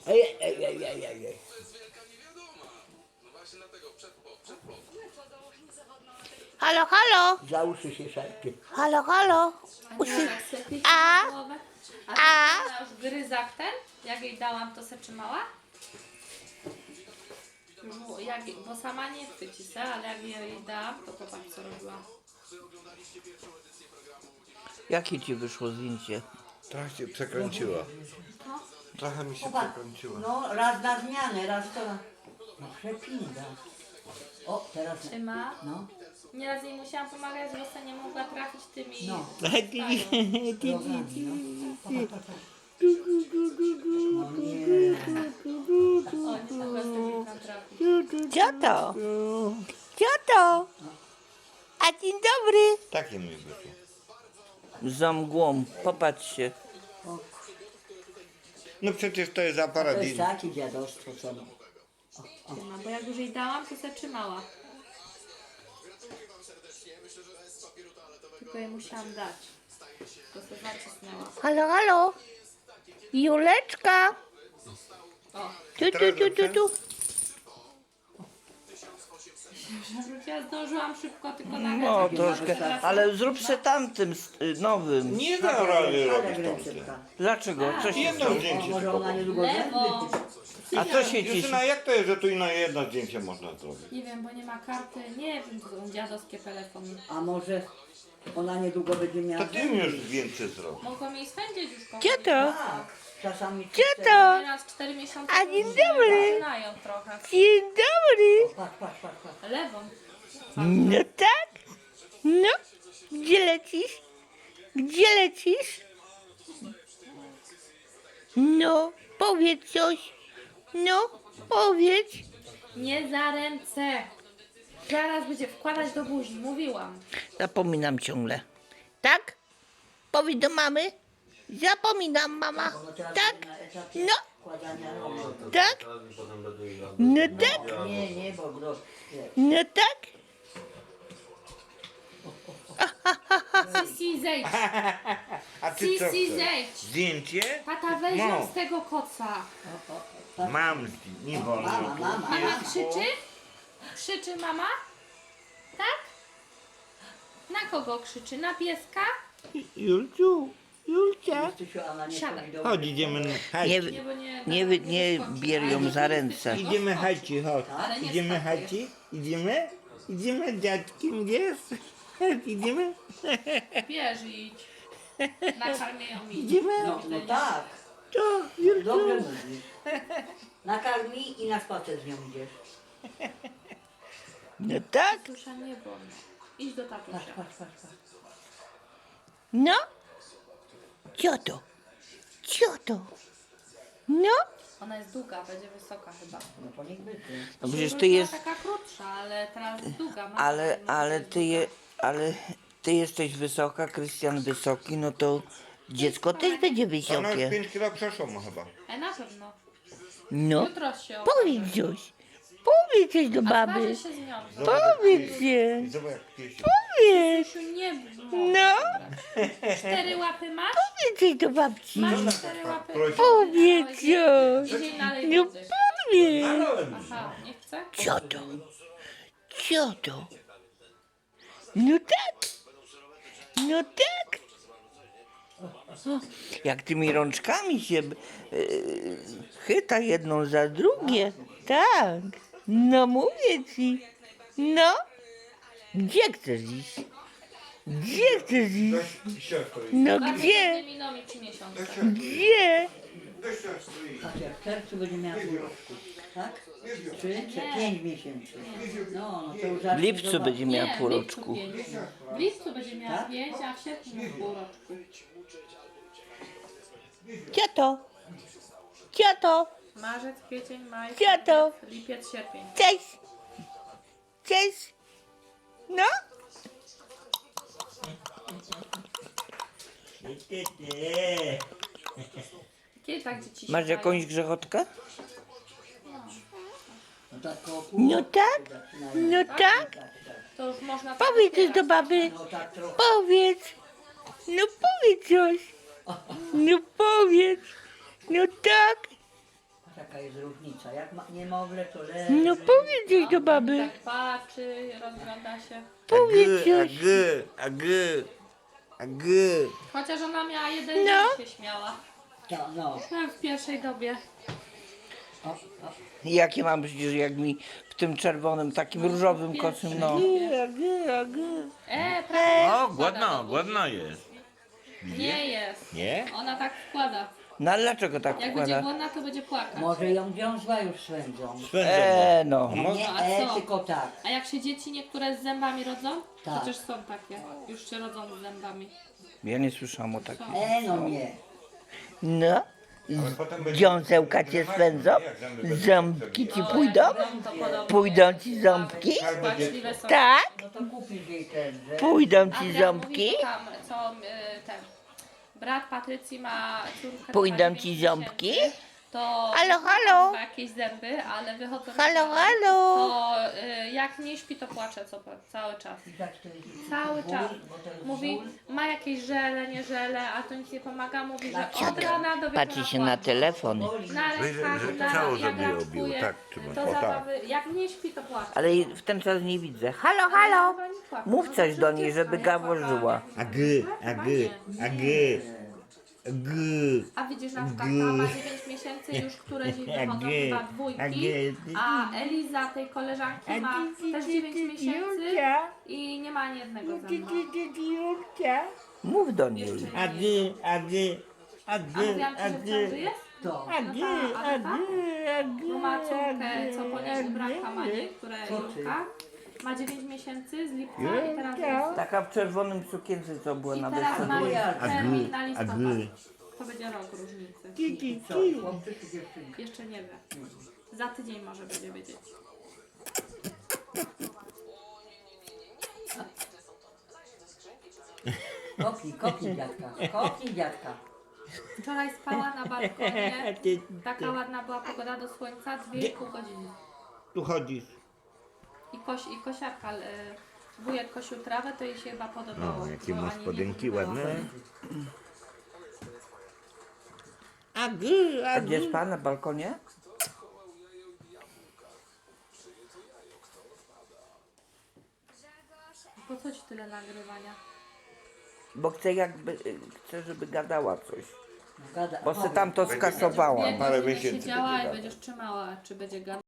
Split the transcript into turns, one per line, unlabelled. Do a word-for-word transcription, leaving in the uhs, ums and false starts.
Ej, ej, ej, ej, ej, ej.
Halo, halo,
Za uszy się szarpie.
halo, halo. Uszy. A?
A
A?
ty ona już gryzak ten? Jak jej dałam, to se trzymała? Bo, jak, bo sama nie chwyci se, ale jak jej dałam, to popatrz co robiła.
Jakie ci wyszło zdjęcie?
Trochę się przekręciła. Trochę mi się przekręciła.
No, raz na zmianę, raz to na... No, przepinda. O, teraz...
Trzyma.
No,
Nieraz jej musiałam pomagać, bo se nie mogła trafić tymi...
no.
Stają.
Nogami, no. No nie.
O, nie mogła z tymi tam trafić.
Co to? Co to? A dzień dobry.
Takie mi wyszło.
Za mgłą, popatrzcie.
No przecież to jest aparat.
To jest
i-
takie dziadostwo, co no.
Trzyma, bo jak już jej dałam, to se trzymała. Tylko jej musiałam dać. To se zacisnęła.
Halo, halo. Juleczka.
O,
Tu, tu, tu, tu, tu.
ja zdążyłam szybko tylko nagrać.
No,
jak
troszkę.
teraz-
Ale zrób se tamtym s- y, nowym.
Nie da rady robić
Ale
tamte.
recepta.
Dlaczego? Co się
Jedno
stało?
O,
zdjęcie
może
tylko.
ona niedługo
Lewo.
zęby.
A co się cieszy?
Justyna, jak to jest, że tu i na jedno zdjęcie można zrobić?
Nie wiem, bo nie ma karty. Nie wiem, to są dziadowskie telefony.
A może ona niedługo będzie miała
To ty
zęby.
już więcej zrobić.
Mogą jej swędzić już kochani.
Co to?
Tak, czasami...
Co to?
Teraz cztery miesiące
A
już
dzień dobry.
zaczynają trochę.
Dzień dobry.
Patrz, patrz, patrz, patrz.
Lewą.
No tak? No? Gdzie lecisz? Gdzie lecisz? No, powiedz coś. No, powiedz.
Nie za ręce. Zaraz będzie wkładać do buzi. Mówiłam.
Zapominam ciągle. Tak? Powiedz do mamy. Zapominam, mama.
Ono teraz
Tak?
będzie na etapie
No,
wkładania rąk.
tak? No tak?
Nie, nie, bo bro, wiesz.
No tak?
Sisi, zejdź.
A ty co
Sisi,
chcesz?
zejdź.
Zdjęcie?
Tata, weź
No.
ją z tego koca.
Mam zdjęcie. Nie wolno.
Mama, mama.
Mama krzyczy? Krzyczy mama? Tak? Na kogo krzyczy? Na pieska?
Julciu, Julcia.
Krzysiu, ona nie
Siadaj.
powinna
Chodź, idziemy na
Nie,
hajci.
Nie, bo nie...
nie, wy- nie bier ją za ręce.
Idziemy hajci, chodź.
Ale nie
Idziemy
spakuj.
hajci? Idziemy? Idziemy dziadkiem, gdzieś? Idziemy?
Bierz i idź. Nakarmię ją i idź.
Idziemy?
No, no tak,
To,
dobrze mówisz. Nakarmi i na spacer z nią idziesz.
No tak?
Tusza nie wolno. Idź do
Patrz,
tatusia.
patrz, patrz, patrz.
No? Co to? Co to? No?
Ona jest długa, będzie wysoka chyba.
No to niech będzie.
No przecież ty
Była
jest,
taka krótsza, ale teraz jest długa. Ma
ale,
taką-
ale ty je, ale ty jesteś wysoka, Krystian wysoki, no to dziecko też będzie
Ona już
wysokie.
pięć kilo przeszło ma chyba.
E, na pewno.
No,
Jutro się
powiedz coś. Powiedz coś do baby.
Zważy się z nią.
Powiedz się.
I zobacz jak piesi.
Powiedz.
Krzysiu, nie bój.
No,
Cztery łapy masz?
powiedz coś do babci.
Masz cztery łapy.
Prosi.
Powiedz coś.
Idzie nalej
No
wody.
powiedz.
Aha, nie chce?
Co to? Co to? No tak. No tak. O, jak tymi rączkami się yy, chyta jedną za drugie. Tak. No mówię ci. No. Gdzie chcesz iść? Gdzie chcesz iść?
Dość siostry.
No
Bardzo
gdzie?
pewnie miną mi trzy miesiące.
Gdzie?
Dość siostry.
Patrz, jak w czerwcu będzie miała pół roku. Tak? Trzy czy pięć miesięcy. No, no to już
W
zacznie
lipcu
zobaczyć.
będzie miała
Nie,
pół
w lipcu
roczku.
pięć. W lipcu będzie miała
Tak?
pięć, a w sierpniu pół roczku.
Co to? Co to?
Marzec, kwiecień, maj,
Co to?
lipiec, sierpień.
Cześć. Cześć. No?
Kiedy tak dzieci
Masz
śpiewają?
jakąś grzechotkę?
No tak koło pół
No
roku
tak.
zaczynają.
No tak.
Tak, tak.
To już można...
Powiedz coś do baby.
No tak trochę.
Powiedz. No powiedz coś. No powiedz. No tak.
Patrz, jaka jest różnica. Jak ma, niemowlę, to leży.
No powiedz jej do baby.
Tak patrzy, rozgląda się.
Powiedz
Ag,
coś.
ag, ag.
Chociaż ona miała jeden
No.
dzień, się śmiała.
To, no.
Tak, w pierwszej dobie.
O, o.
Jakie mam przecież jak mi w tym czerwonym, takim różowym
pierwszy.
kocym, no.
E, prawie
O,
wkłada
głodna,
do buzi.
głodna jest.
Nie jest.
Nie?
Ona tak wkłada.
No ale dlaczego tak
Jak będzie
wkłada?
głodna, to będzie płakać.
Może ją wiązła już swędzą.
Eee, no.
Nie,
a
e,
co?
tylko tak.
A jak się dzieci niektóre z zębami rodzą?
Tak.
Przecież są takie. Już się rodzą z zębami.
Ja nie słyszałam o takim.
E, no nie.
No. Dziąsełka cię swędzą? Ząbki ci pójdą?
To podobno.
Pójdą ci ząbki?
Płaczliwe są.
Tak?
No to kupisz jej ten, że...
Pójdą ci
Adrian
ząbki?
mówi, tam, co y, ten brat Patrycji ma córkę.
Pójdą
która ma
ci
dziewięć
ząbki?
miesięcy, To
Halo, halo?
ma jakieś zęby, ale wychodzą.
Halo,
na-
halo?
To y, jak nie śpi, to płacze co, cały czas.
Widać, to jest
Cały
ból,
czas.
bo to jest
Mówi,
ból.
ma jakieś żele, nie żele, a to nic nie pomaga. Mówi, że
Dlaczego?
od rana do wieczora
Patrzy się na
płacze.
telefon.
Na rękach,
że
na,
ciało
jak
sobie obiło,
raczkuje,
tak trzymać.
to
O, tak.
zabawy, jak nie śpi, to płacze.
Ale jej w ten czas nie widzę. Halo,
Ale
halo?
chyba nie płacze.
Mów
No
coś
to
do niej,
przecież
żeby
ja
gaworzyła.
płakałam.
Ag, ag,
Chyba nie.
ag, ag.
A widzisz, na przykład ta ma dziewięć miesięcy, już któreś wychodzą chyba dwójki, a Eliza, tej koleżanki, ma też dziewięć miesięcy i nie ma ani jednego zęba.
Mów do niej.
A mówiłam ci, że w ciąży jest?
To.
No tak, ale tak. No ma córkę, co po niej ubranka ma, nie, które Julka. Ma dziewięć miesięcy z lipca i teraz jest.
Taka w czerwonym sukience, co była
I
na
teraz ma
weselu.
termin na listopad.
Ag.
To będzie rok różnicy.
Co, chłopcy czy dziewczynki?
Jeszcze nie wie. Za tydzień może będzie wiedzieć.
Kopnij, kopnij dziadka. Kopnij dziadka.
Wczoraj spała na balkonie. Taka ładna była pogoda do słońca, dwie i pół godziny.
Tu chodzisz.
I, koś, i kosiarka, y, wujek kosił trawę, to jej się chyba podobało.
O, jakie
bo
ma
ani nie
spodenki
była.
ładne.
A gdzie spała na balkonie?
Po co ci tyle nagrywania?
Bo chcę jakby, y, chcę, żeby gadała coś.
Gada.
Bo se tam to skasowałam.
Dwie
parę
godziny
miesięcy
siedziała
będzie
i
gadać.
będziesz trzymała, czy będzie gadać.